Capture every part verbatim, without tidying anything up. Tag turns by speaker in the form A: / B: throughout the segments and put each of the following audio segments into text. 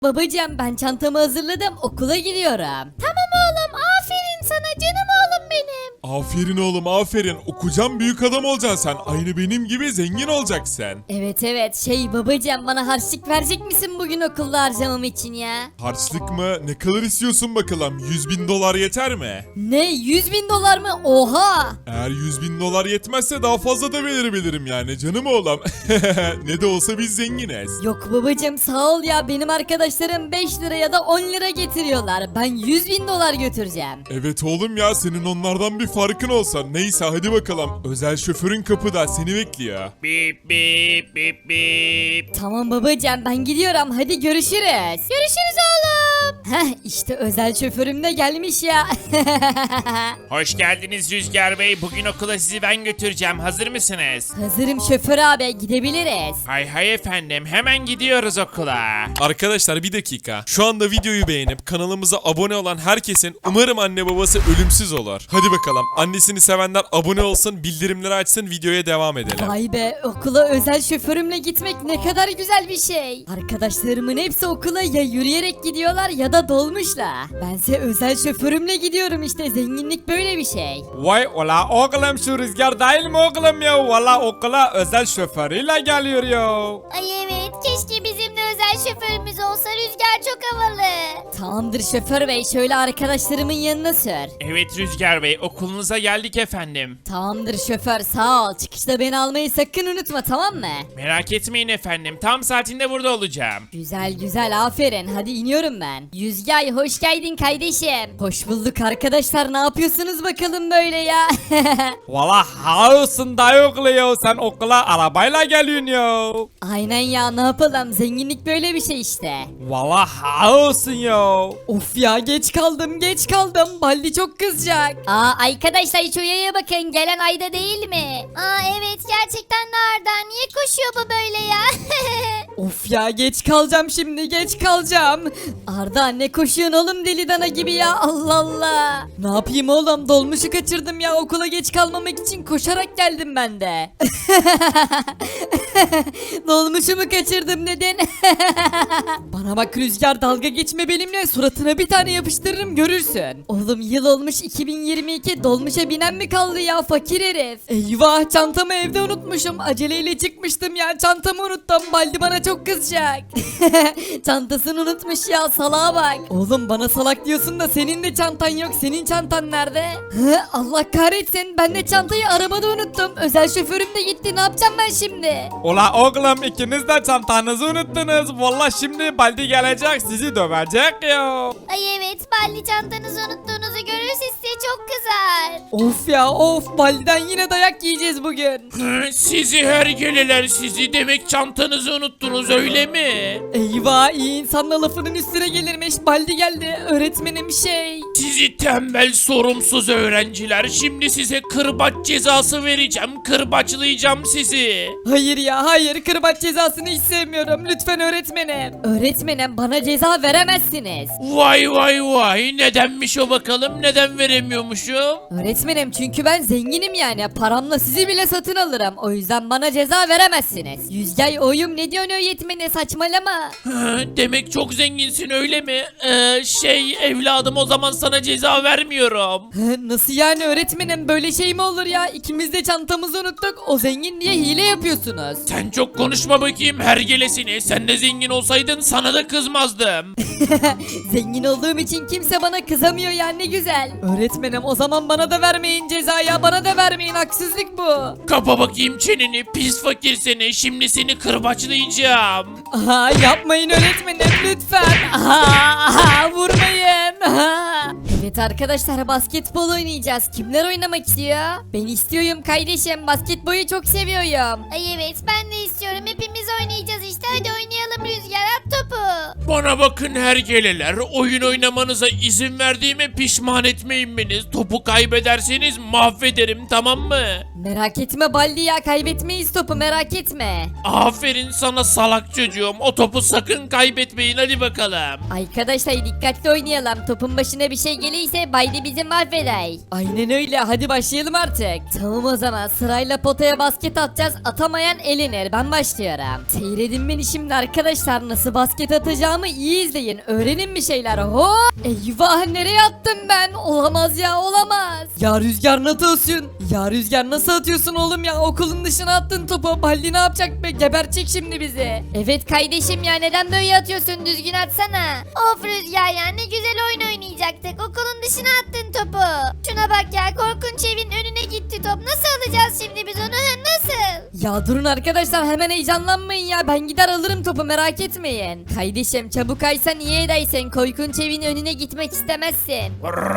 A: Babacığım ben çantamı hazırladım okula gidiyorum.
B: Tamam oğlum, aferin sana canım oğlum benim.
C: Aferin oğlum aferin. Okucan büyük adam olacaksın sen. Aynı benim gibi zengin olacaksın.
A: Evet evet şey babacığım bana harçlık verecek misin bugün okulda harcamam için ya?
C: Harçlık mı? Ne kadar istiyorsun bakalım? yüz bin dolar yeter mi?
A: Ne yüz bin dolar mı? Oha!
C: Eğer yüz bin dolar yetmezse daha fazla da verebilirim yani canım oğlum. Ne de olsa biz zenginiz.
A: Yok babacığım sağ ol ya benim arkadaşlarım beş lira ya da on lira getiriyorlar. Ben yüz bin dolar götüreceğim.
C: Evet oğlum ya senin onlardan bir farkın olsa. Neyse hadi bakalım. Özel şoförün kapıda seni bekliyor.
D: Bip bip bip bip.
A: Tamam babacığım ben gidiyorum hadi görüşürüz.
B: Görüşürüz oğlum.
A: Heh işte özel şoförüm de gelmiş ya.
D: Hoş geldiniz Rüzgar Bey. Bugün okula sizi ben götüreceğim. Hazır mısınız?
A: Hazırım şoför abi gidebiliriz.
D: Hay hay efendim. Hemen gidiyoruz okula.
C: Arkadaşlar bir dakika. Şu anda videoyu beğenip kanalımıza abone olan herkesin umarım anne babası ölümsüz olur. Hadi bakalım. Annesini sevenler abone olsun, bildirimleri açsın, videoya devam edelim.
A: Vay be okula özel şoförümle gitmek ne kadar güzel bir şey. Arkadaşlarımın hepsi okula ya yürüyerek gidiyorlar ya da dolmuşla. Bense özel şoförümle gidiyorum işte zenginlik böyle bir şey.
E: Vay ola oğlum şu Rüzgar değil mi oğlum ya? Valla okula özel şoförüyle geliyor ya.
B: Ay evet, keşke bizim de özel şoförümüz olsa. Rüzgar çok havalı.
A: Tamamdır şoför bey şöyle arkadaşlarımın yanına sür.
D: Evet Rüzgar Bey. Okulunuza geldik efendim.
A: Tamamdır şoför sağ ol çıkışta beni almayı sakın unutma tamam mı?
D: Merak etmeyin efendim. Tam saatinde burada olacağım.
A: Güzel güzel aferin hadi iniyorum ben. Yüzgay hoş geldin kardeşim. Hoş bulduk arkadaşlar ne yapıyorsunuz bakalım böyle ya.
E: Valla haosun da oğlu ya. Sen okula arabayla geliyorsun ya.
A: Aynen ya ne yapalım zenginlik böyle bir şey işte.
E: Valla haosun ya.
A: Of ya geç kaldım geç kaldım Baldi çok kızacak.
B: Aa arkadaşlar şu yaya bakın, gelen Ayda değil mi? Aa evet, gerçekten nereden? Niye koşuyor bu böyle ya?
A: Of ya geç kalacağım şimdi geç kalacağım. Arda ne koşuyorsun oğlum deli dana gibi ya Allah Allah. Ne yapayım oğlum dolmuşu kaçırdım ya okula geç kalmamak için koşarak geldim ben de. Dolmuşumu kaçırdım neden? Bana bak Rüzgar dalga geçme benimle suratına bir tane yapıştırırım görürsün. Oğlum yıl olmuş iki bin yirmi iki dolmuşa binen mi kaldı ya fakir herif. Eyvah çantamı evde unutmuşum aceleyle çıkmıştım ya çantamı unuttum Baldi bana çok kızacak. Çantasını unutmuş ya salağa bak. Oğlum bana salak diyorsun da senin de çantan yok senin çantan nerede? Hı, Allah kahretsin ben de çantayı arabada unuttum özel şoförüm de gitti ne yapacağım ben şimdi?
E: Ola oğlum ikiniz de çantanızı unuttunuz. Valla şimdi Baldi gelecek sizi dövecek ya.
B: Ay evet, Balli çantanızı unuttuğunuzu görürse size çok kızar.
A: Of ya of Baldi'den yine dayak yiyeceğiz bugün.
D: Hı, Sizi hergeleler sizi. Demek çantanızı unuttunuz öyle mi?
A: Eyvah iyi insanla lafının üstüne gelirmiş Baldi geldi öğretmenim şey.
D: Sizi tembel sorumsuz öğrenciler. Şimdi size kırbaç cezası vereceğim. Kırbaçlayacağım sizi.
A: Hayır ya hayır kırbaç cezasını hiç sevmiyorum lütfen öğretmenim. Öğretmenim bana ceza veremezsiniz.
D: Vay vay vay. Nedenmiş o bakalım? Neden veremiyormuşum?
A: Öğretmenim çünkü ben zenginim yani paramla sizi bile satın alırım o yüzden bana ceza veremezsiniz. Yüzgay oyum ne diyorsun öğretmene saçmalama.
D: Hı, Demek çok zenginsin öyle mi? Ee, şey evladım o zaman sana ceza vermiyorum.
A: Hı, Nasıl yani öğretmenim böyle şey mi olur ya ikimiz de çantamızı unuttuk o zengin diye hile yapıyorsunuz.
D: Sen çok konuşma bakayım hergelesini. Sen de zengin olsaydın sana da kızmazdım.
A: Zengin olduğum için kimse bana kızamıyor ya ne güzel. Öğretmenim o zaman bana da vermeyin ceza ya bana da vermeyin haksızlık bu.
D: Kapa bakayım çeneni pis fakir seni. Şimdi seni kırbaçlayacağım.
A: Aha yapmayın öğretmenim lütfen. Aha, aha vurmayın. Aha. Evet arkadaşlar basketbol oynayacağız. Kimler oynamak istiyor? Ben istiyorum kardeşim basketbolu çok seviyorum.
B: Ay evet, ben de istiyorum. Hepimiz oynayacağız işte. Hadi oynayalım Rüzgar, at topu.
D: Bana bakın hergeleler. Oyun oynamanıza izin verdiğime pişman etmeyin beni. Topu kaybederseniz mahvederim tamam mı?
A: Merak etme Baldi ya kaybetmeyiz topu merak etme.
D: Aferin sana salak çocuğum. O topu sakın kaybetmeyin hadi bakalım.
A: Arkadaşlar dikkatli oynayalım. Topun başına bir şey gelir
B: geliyse Baldi bizi mahveder.
A: Aynen öyle, hadi başlayalım artık. Tamam o zaman, sırayla potaya basket atacağız, atamayan elenir. Ben başlıyorum. Seyredin beni şimdi arkadaşlar, nasıl basket atacağımı iyi izleyin. Öğrenin bir şeyler. Hop! Eyvah, nereye attım ben? Olamaz ya, olamaz. Ya Rüzgar nasıl atıyorsun? Ya Rüzgar nasıl atıyorsun oğlum ya? Okulun dışına attın topu. Baldi ne yapacak be? Gebertecek şimdi bizi.
B: Evet kardeşim ya, neden böyle atıyorsun, düzgün atsana. Of Rüzgar ya, ne güzel oyun oynayacaktık, okulun dışına attın topu. Şuna bak ya, korkunç evin önüne gitti top, nasıl alacağız şimdi biz onu, ha, nasıl?
A: Ya durun arkadaşlar, hemen heyecanlanmayın ya. Ben gider alırım topu, merak etmeyin. Kardeşim çabuk aysan iyi edersin. Korkunç evin önüne gitmek istemezsin.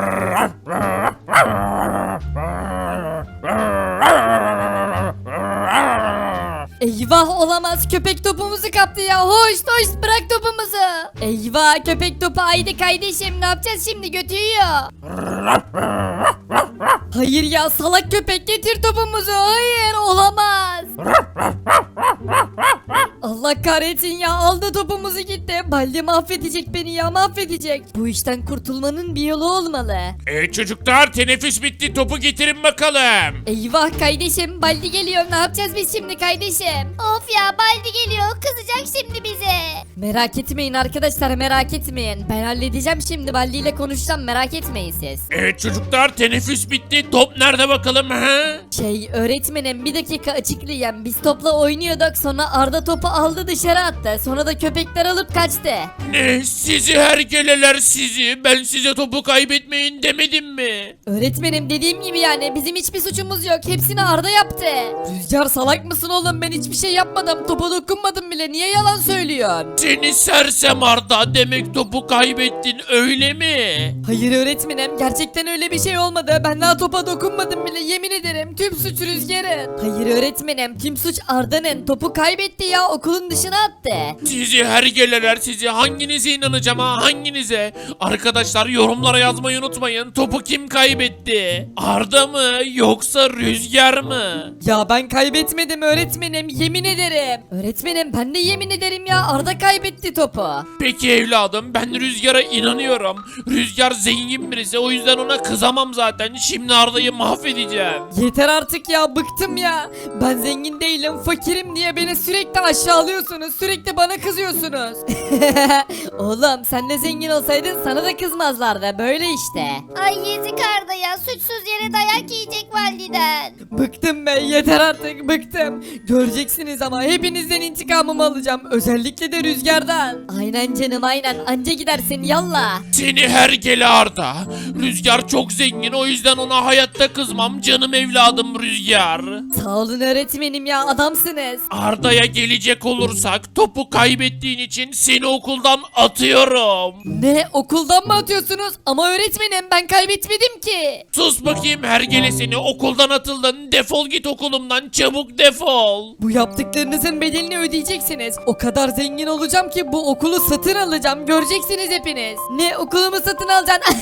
A: Eyvah, olamaz, köpek topumuzu kaptı ya. Hoş hoş, bırak topumuzu. Eyvah, köpek topu aydı kardeşim, ne yapacağız şimdi, götürüyor. Hayır ya, salak köpek, getir topumuzu. Hayır, olamaz. Allah kahretsin ya, aldı topumuzu gitti. Baldi mahvedecek beni ya, mahvedecek. Bu işten kurtulmanın bir yolu olmalı.
D: E çocuklar, teneffüs bitti, topu getirin bakalım.
A: Eyvah kardeşim, Baldi geliyor, ne yapacağız biz şimdi kardeşim?
B: Of ya, Baldi geliyor, kızacak şimdi bize.
A: Merak etmeyin arkadaşlar, merak etmeyin. Ben halledeceğim şimdi, Baldi ile konuşacağım, merak etmeyin siz.
D: Evet çocuklar, teneffüs bitti, top nerede bakalım ha?
A: Şey öğretmenim, bir dakika açıklayayım. Biz topla oynuyorduk, sonra Arda topu aldı dışarı attı. Sonra da köpekler alıp kaçtı.
D: Ne, sizi hergeleler sizi, ben size topu kaybetmeyin demedim mi?
A: Öğretmenim, dediğim gibi yani bizim hiçbir suçumuz yok. Hepsini Arda yaptı. Rüzgar, salak mısın oğlum? Ben hiçbir şey yapmadım. Topa dokunmadım bile. Niye yalan söylüyorsun?
D: Seni sersem Arda, demek topu kaybettin öyle mi?
A: Hayır öğretmenim, gerçekten öyle bir şey olmadı. Ben daha topa dokunmadım bile, yemin ederim. Tüm suç Rüzgar'ın. Hayır öğretmenim, tüm suç Arda'nın. Topu kaybetti ya, okulun dışına attı.
D: Sizi hergeleler sizi, hanginize inanacağım ha, hanginize? Arkadaşlar yorumlara yazmayı unutmayın, topu kim kaybetti? Arda mı yoksa Rüzgar mı?
A: Ya ben kaybetmedim öğretmenim, yemin ederim. Öğretmenim, ben de yemin ederim ya, Arda kaybetti topu.
D: Peki evladım, ben Rüzgar'a inanıyorum. Rüzgar zengin birisi, o yüzden ona kızamam zaten. Şimdi Arda'yı mahvedeceğim.
A: Yeter artık ya, bıktım ya. Ben zengin değilim, fakirim diye beni sürekli aşağılıyorsunuz. Sürekli bana kızıyorsunuz. Oğlum, sen de zengin olsaydın sana da kızmazlardı, böyle işte.
B: Ay yazık Arda ya, suçsuz yere dayak yiyecek validen.
A: Bıktım be, yeter artık, bıktım. Göreceksiniz ama, hepinizden intikamımı alacağım. Özellikle de Rüzgar'dan. Aynen canım, aynen, anca gidersin, yallah.
D: Seni hergele Arda. Rüzgar çok zengin, o yüzden ona hayatta kızmam. Canım evladım Rüzgar.
A: Sağ olun öğretmenim ya, adamsınız.
D: Arda'ya gelecek olursak, topu kaybettiğin için seni okuldan atıyorum.
A: Ne, okuldan mı atıyorsunuz? Ama öğretmenim, ben kaybetmedim ki.
D: Sus bakayım hergele seni, okuldan atıldın. Defol git okulumdan, çabuk defol.
A: Bu yaptıklarınızın bedelini ödeyeceksiniz. O kadar zengin olacağım ki bu okulu satın alacağım. Göreceksiniz hepiniz. Ne, okulumu satın alacaksın?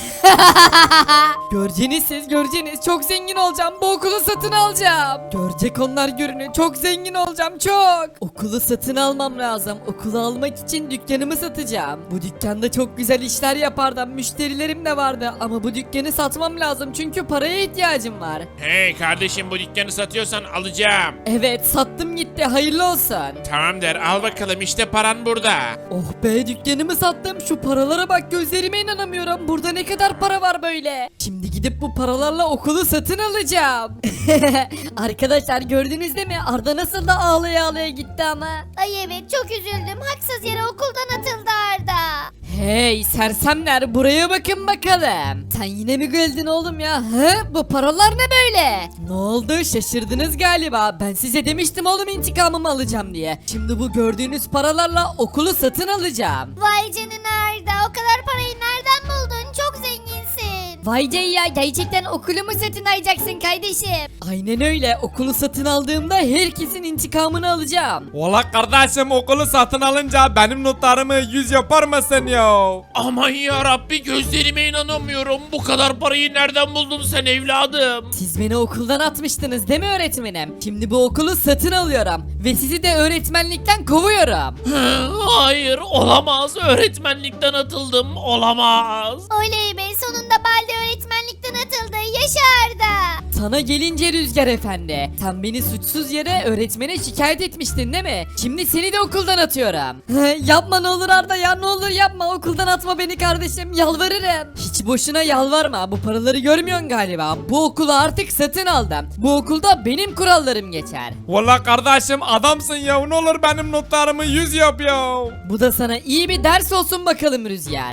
A: Göreceğiniz siz, göreceğiniz. Çok zengin olacağım. Bu okulu satın alacağım. Görecek onlar gününü. Çok zengin olacağım, çok. Okulu satın almam lazım. Okulu almak için dükkanımı satacağım. Bu dükkanda çok güzel işler yapardım. Müşterilerim de vardı. Ama bu dükkanı satmam lazım. Çünkü paraya ihtiyacım var.
D: Hey kardeşim, bu dükkanı satıyorsan alacağım.
A: Evet, sattım gitti. Hayırlı olsun.
D: Tamamdır, al bakalım, işte paran burada.
A: Oh be, dükkanımı sattım. Şu paralara bak, gözlerime inanamıyorum. Burada ne kadar para var böyle. Şimdi gidip bu paralarla okulu satın alacağım. Arkadaşlar, gördünüz değil mi? Arda nasıl da ağlaya ağlaya gitti ama.
B: Ay evet, çok üzüldüm, haksız yere okuldan atıldı Arda.
A: Hey sersemler, buraya bakın bakalım. Sen yine mi güldün oğlum ya? Hı? Bu paralar ne böyle? Ne oldu, şaşırdınız galiba. Ben size demiştim oğlum, intikamımı alacağım diye. Şimdi bu gördüğünüz paralarla okulu satın alacağım.
B: Vay canına Arda, o kadar parayı nereden buldun? Çok zenginsin.
A: Vay Cey ya, gerçekten okulumu satın alacaksın kardeşim. Aynen öyle, okulu satın aldığımda herkesin intikamını alacağım.
E: Valla kardeşim, okulu satın alınca benim notlarımı yüz yapar mısın ya?
D: Aman ya Rabbi, gözlerime inanamıyorum. Bu kadar parayı nereden buldun sen evladım?
A: Siz beni okuldan atmıştınız değil mi öğretmenim? Şimdi bu okulu satın alıyorum. ve sizi de öğretmenlikten kovuyorum.
D: Hı, hayır olamaz öğretmenlikten atıldım olamaz.
B: Oley be, sonunda Baldi öğretmenlikten atıldı. Yaşa Arda.
A: Sana gelince Rüzgar Efendi, sen beni suçsuz yere öğretmene şikayet etmiştin değil mi? Şimdi seni de okuldan atıyorum. Yapma ne olur Arda ya, ne olur yapma, okuldan atma beni kardeşim, yalvarırım. Hiç boşuna yalvarma, bu paraları görmüyorsun galiba. Bu okulu artık satın aldım. Bu okulda benim kurallarım geçer.
E: Valla kardeşim adamsın ya, ne olur benim notlarımı yüz yap ya.
A: Bu da sana iyi bir ders olsun bakalım Rüzgar.